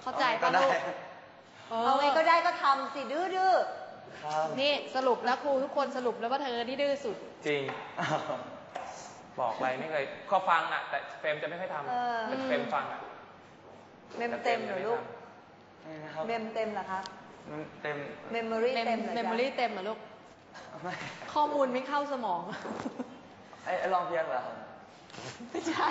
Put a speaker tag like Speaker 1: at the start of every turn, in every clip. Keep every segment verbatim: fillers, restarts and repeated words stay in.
Speaker 1: เข้าใจป่ะลูก
Speaker 2: เอาไงก็ได้ก็ทำสิดื้อดื้อ
Speaker 1: นี่สรุปแล้วครูทุกคนสรุปแล้วว่าเธอที่ดื้อสุด
Speaker 3: จริงบอกอะไรไม่เคยก็ฟังอ่ะแต่เฟรมจะไม่ค่อยทำแต่เฟรมฟังอ่ะ
Speaker 2: เมมเต็มเหรอลูกเมมเต็มเหรอคะ
Speaker 3: เต็ม
Speaker 2: เมมโมรี่เต็มเหรอ
Speaker 1: เมมโมรี่เต็มเหรอลูกข้อมูลไม่เข้าสมอง
Speaker 3: ไอ้ลองเพียงเหรอ
Speaker 1: ไม่ใช่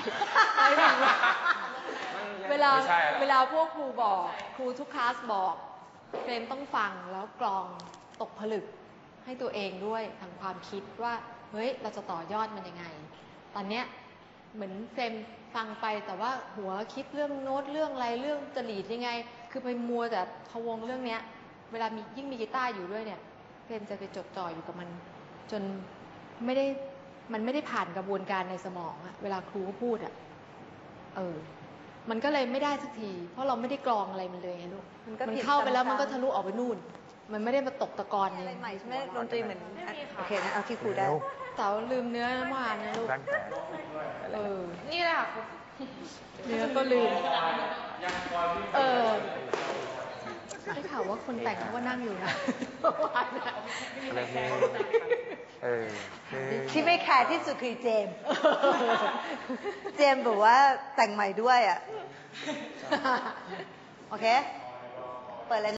Speaker 1: เวลาเวลาพวกครูบอกครูทุกคลาสบอกเฟรมต้องฟังแล้วกรองตกผลึกให้ตัวเองด้วยทางความคิดว่าเฮ้ยเราจะต่อยอดมันยังไงตอนเนี้ยเหมือนเฟรมฟังไปแต่ว่าหัวคิดเรื่องโน้ตเรื่องอะไรเรื่องจริตยังไงคือไปมัวแต่พะวงเรื่องเนี้ยเวลามียิ่งมีกีตาร์อยู่ด้วยเนี่ยเฟรมจะไปจดจ่ออยู่กับมันจนไม่ได้มันไม่ได้ผ่านกระบวนการในสมองอะเวลาครูพูดอะเออมันก็เลยไม่ได้สักทีเพราะเราไม่ได้กรองอะไรมันเลยไงลูกมันเข้าไปแล้วมันก็ทะลุออกไปนู่นมันไม่ได้มาตกตะกอน
Speaker 2: อะไรใหม่ใช่ไหมดนตรีเหมือนโอเคนะเอาที่ครูได้
Speaker 1: เต๋าลืมเนื้อเมื่อวานนะลูกเออนี่แหละเนื้อก็ลืมเออได้ข่าวว่าคนแต่งเขาก็นั่งอยู่นะเมื่อวานนะ
Speaker 3: เออ
Speaker 2: ที่ไม่แคร์ที่สุดคือเจมเจมบอกว่าแต่งใหม่ด้วยอ่ะโอเคเปิดเลย